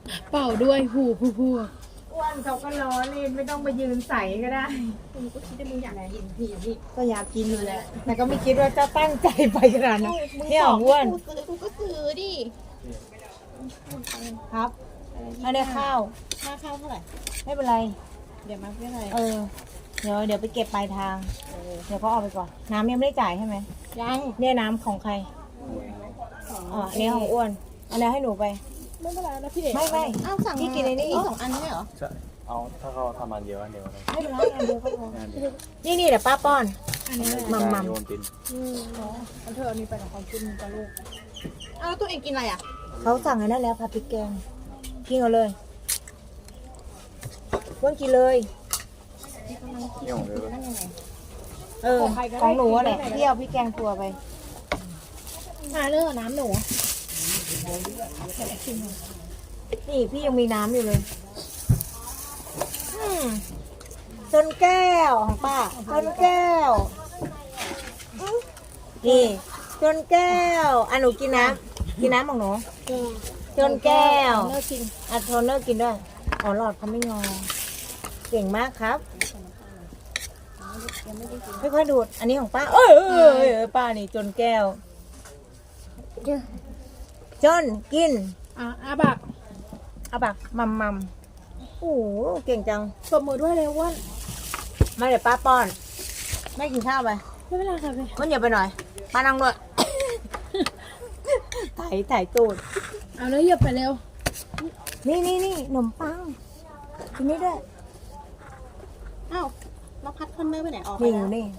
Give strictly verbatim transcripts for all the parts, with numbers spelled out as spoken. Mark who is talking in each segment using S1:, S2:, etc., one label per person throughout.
S1: เป่าด้วยหูผู้ผู้
S2: อ้วนเขาก็ล้อเล่นไม่ต้องไปยืนใส่ก็ได้มึงก็คิดว่ามึงอยากกินพี่พี่ก็อยากกินอยู่แหละแต่ก็ไม่คิดว่าจะตั้งใจไปขนาดนั้นเนี่ยอ้วน
S1: กูซื้อกูก็ซื้อดิ
S2: ครับไม่ได้ข้าว
S1: ค่าข้าวเท่าไหร่
S2: ไม่เป็นไร
S1: เดี๋ยวมาไม่เป็นไร
S2: เออเดี๋ยวเดี๋ยวไปเก็บปลายทางเดี๋ยวก็เอาไปก่อนน้ำยังไม่ได้จ่ายใช่ไหม
S1: ยัง
S2: เนี่ยน้ำของใครอ๋ออันนี้ของอ้วนอันนี้ให้หนูไป
S1: ไม่เป็นไรนะพี่เอก
S2: ไม่ไม่
S1: อ้าวสั่ง
S2: พี่กินในนี้
S1: สองอันไม่ใช่เหรอ
S3: ใช่เอาถ้าเขาทำอันเดียวอันเดียวเลย
S2: ไม่เป็นไรอันเดียวก็พอ
S3: อันเดียว
S2: นี่นี่เดี๋ยวป้าป้อน
S1: อันนี้เลย
S2: มัมมัม
S3: โยนติน
S1: อืมเนาะอันเธออันนี้ไปกับความกินกับลูกอ้าวแล้วตัวเองกินอะไรอ่ะ
S2: เขาสั่งอันนั้นแล้วผัดพริกแกงกินเอาเลยอ้วนกินเลย
S3: นี่ของเธอ
S1: นั่นยังไง
S2: เออของหนูอะแหละที่เอาพริกแกงตัวไป
S1: มาเลือกน้ำหนู
S2: นี่พี่ยังมีน้ำอยู่เลยอืมจนแก้วของป้าจนแก้วนี่จนแก้วอ่ะหนูกินน้ำกินน้ำของหนูจนแก้ว
S1: เลิกกิน
S2: อ่ะโทนเนอร์กินด้วยอ๋อหลอดเขาไม่งอเก่งมากครับค่อยๆดูดอันนี้ของป้าเอ้ยเอ้ยเอ้ยเอ้ยป้านี่จนแก้วจนกิน
S1: อ่ะอาบัก
S2: เอาบักมัมมัมโอ้โหเก่งจัง
S1: ตบมือด้วยเลยอ้วน
S2: มาเดี๋ยวป้าป้อนแม่กินข้าวไป
S1: ไม่เป็นไรค่ะพี่
S2: มันอย่าไปหน่อยป้านั่งด้วย ถ่ายถ่ายตูด
S1: เอาเลยเหยียบไปเร็ว
S2: นี่นี่นี่ขนมปังกินนี่ด้วย
S1: อ้าวแล้วพัดคอนเนอร์ไปไหนออกไป
S2: นี่
S1: แล้ว
S2: นี่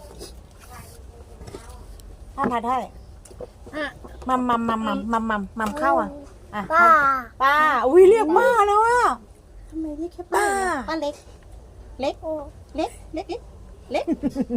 S2: ถ้าผัดให้
S1: อ่ะ
S2: มัมมัมมัมมัมมัมมัมมัมเข้าอ่ะอ่ะป้าป้าอุ้ยเรียกป้าแล้วอ่ะ
S1: ทำไมเรียกแค่ป้า
S2: ป้า
S1: ป้าเล็ก เล็ก เล็ก เล็ก เล็ก เล็ก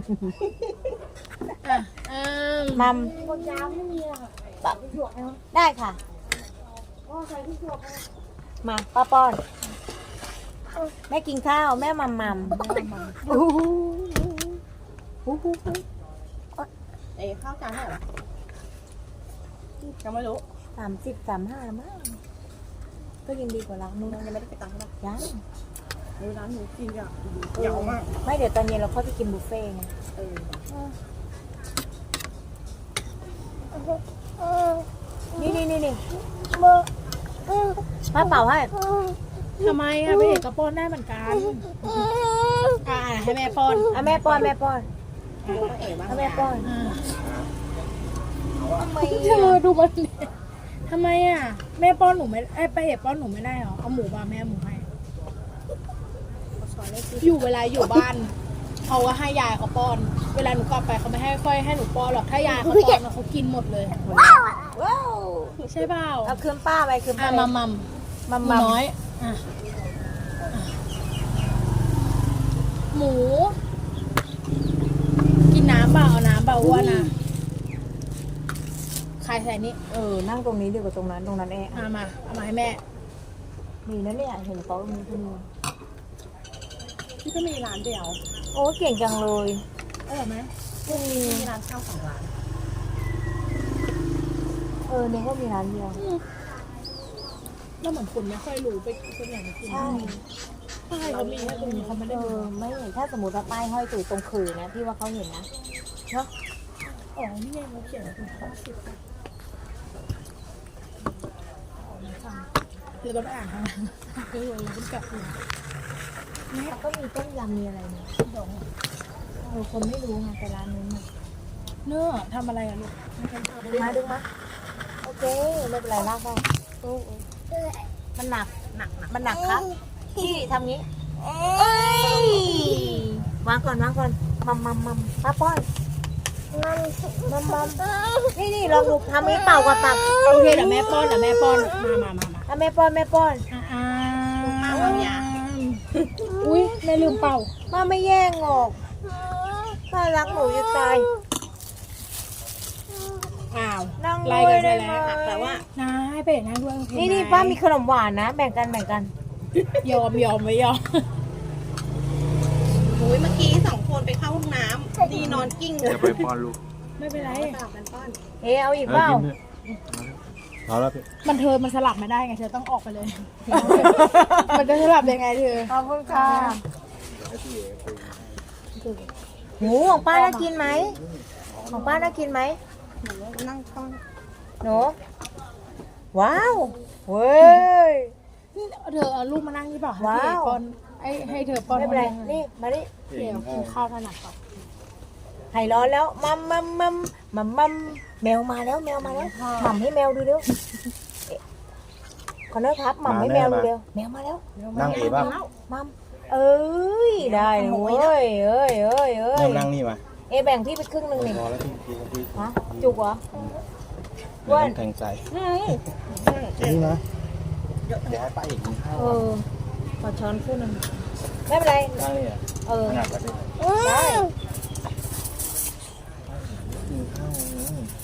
S1: อ่ะอ่า
S2: มัม
S1: บนยาวไม่มีอะค่ะ
S2: ได้ค่ะ
S1: อ๋อใส่ที่ถั่วไป
S2: มาป้าป้อนแม่กินข้าวแม่มัมมัมอู้หูอู้หู
S1: เอ้ข้าวจานเท่าไหร่ยังไม่รู้
S2: สามสิบสามห้าละมั้งก็ยังดีกว่าร้านนู้น
S1: ยังไม่ได้ไปตังค์ใช่ปะ
S2: ยัง
S1: เออร้านหนูกินอ่ะยาวมาก
S2: ไม่เดี๋ยวตอนเย็นเราค่อยไปกินบุฟเฟ่ต์ไง
S1: เออ
S2: นี่นี่นี่นี่ป้าเป่าให้
S1: ทำไมอ่ะพี่เอกก็ป้อนได้เหมือนกันอ่าให้แม่ป้อน
S2: อ่ะแม่ป้อนแม่ป้อน
S1: อ่าเอ๋บ้าง
S2: อ่ะแม่ป้อน
S1: อ่า
S2: ทำไม
S1: เธอดูมันดิทำไมอ่ะแม่ป้อนหนูไม่ไอ้ป้าเอกป้อนหนูไม่ได้หรอเอาหมูมาแม่หมูให้อยู่เวลาอยู่บ้านเขาก็ให้ยายเขาป้อน เวลาหนูกลับไปเขาไม่ให้ค่อยให้หนูป้อนหรอกถ้ายายเขาป้อนเขากินหมดเลย
S2: ว้าว
S1: ใช่เปล่า
S2: เอาคืนป้าไปคืน
S1: อ่ะ
S2: ป้า
S1: มัมมัม
S2: มัม
S1: หมู
S2: มัม
S1: น้อยอ่ะหมู กินน้ำเปล่าเอาน้ำเปล่าอ้วนนะใครใส่นี่
S2: เออนั่งตรงนี้ดีกว่าตรงนั้นตรงนั้นแอร์
S1: เอามาเอามาให้แม่
S2: มีนะเนี่ยเห็นเขามีที่นี่
S1: พี่ก็มีร้านเดียว
S2: โอ้เก่งจังเลย
S1: อร่อยไหม
S2: อืม
S1: มีร้านข้าวสองร้าน
S2: เออเนี่ยก็มีร้านเดียว
S1: แล้วเหมือนคนไม่ค่อยรู้ไปเป็นอย่างนี้
S2: ใช่
S1: ป้ายเขามีแค่ตรงนี้เขาไม่ได้
S2: เอ
S1: ดู
S2: อไม่ถ้าสมมติว่าป้ายห้อยตู่ตรงคือนะพี่ว่าเขาเห็นนะเนาะ
S1: อ๋อนี่ไงเขาเขียนเป็นข้าวสิบเดี๋ยวต้องอ่านนะเดี๋ยวเราต้องกลับดู
S2: แล้วก็มีต้มยำมีอะไรนะเออคนไม่รู้ไงแต่ร้านนู้นน่ะ
S1: เนื้อทำอะไรอะลูก
S2: ดึงมาดึงมาโอเคไม่เป็นไรลากได้โอ้โอ้มันหนักหนักมันหนักครับพี่ทำงี้เอ้ยวางก่อนวางก่อนมัมมัมมัมป้าป้อนมัมมัมนี่นี่ลองดูทำนี้เป่ากับตัก
S1: โอเคเดี๋ยวแม่ป้อนเดี๋ยวแม่ป้อนมามามามา
S2: อ่ะแม่ป้อนแม่ป้อน
S1: อ่าอุ้ยแม่ลืมเป่า
S2: มาไม่แย่งออกป้ารักหนูจะตาย
S1: อ้าว
S2: นั่ง
S1: ไล่
S2: ด้ว
S1: กั
S2: ย
S1: นไป
S2: ได้ไหม
S1: แล้วแต่ว่าน้าให้ไปนั่งด้วยโอเค
S2: นี่นี่
S1: ไห
S2: ป้ามีขนมหวานนะ แบ่งกันแบ่งกัน
S1: ยอมยอมไม่ยอมโอ้ยเมื่อกี้สองคนไปเข้าห้องน้ำดีนอนกิ้ง
S3: อย่าไปป้อนลูก
S1: ไม่เป็นไรต่างกันป้อน
S2: เฮ้เอาอีก
S3: เอ
S2: เป
S3: อ
S2: ล่า
S3: กินเถอะ
S4: เอาแล้วพี่
S1: มันเธอมันสลับไม่ได้ไงเธอต้องออกไปเลย มันจะสลับยังไงเธอ
S2: ขอบคุณค่ะหมูของป้าน่ากินไหมของป้าน่ากินไหม
S1: นั่งข้าง
S2: หนูว้าวเว้ย
S1: นี่เธอเอาลูกมานั่งนี่เปล่าให้
S2: ว้าว
S1: พี่เอกป้อนไอ้ให้เธอป้อน
S2: ไม่เป็นไร
S1: ให้
S2: นี่มาดิ
S1: เดี๋ยวกินข้าวถนัดก่อน
S2: ไข่ร้อนแล้วมัมมัมมัมมัมมัมแมวมาแล้วแมวมาแล้วหม่ำให้แมวดูเร็วเอ๊ะขอโทษครับหม่ำให้แมวดูเร็วแมวมาแล้ว
S4: นั่งเอป่ะ
S2: มัมเอ้ยได้เว้ยเอ้ยเอ้ยเอ้ยเอ้ย
S4: นั่งนี่มา
S2: เอะแบ่งพี่ไปครึ่งหนึ่งหนึ่ง
S4: พอแล้วพี่พี่พี่
S2: ฮะจุกเหรอ
S4: ไม่ต้องแทงใจ
S2: อืม
S4: นี่นะเดี๋ยวให้ป้าอีกกินข้าว
S2: เออขอช้อนคู่หนึ่งไม่เป็นไร
S4: นั่งนี่อ่ะ
S2: เออ
S4: ขนาดแบบนี้
S2: ได้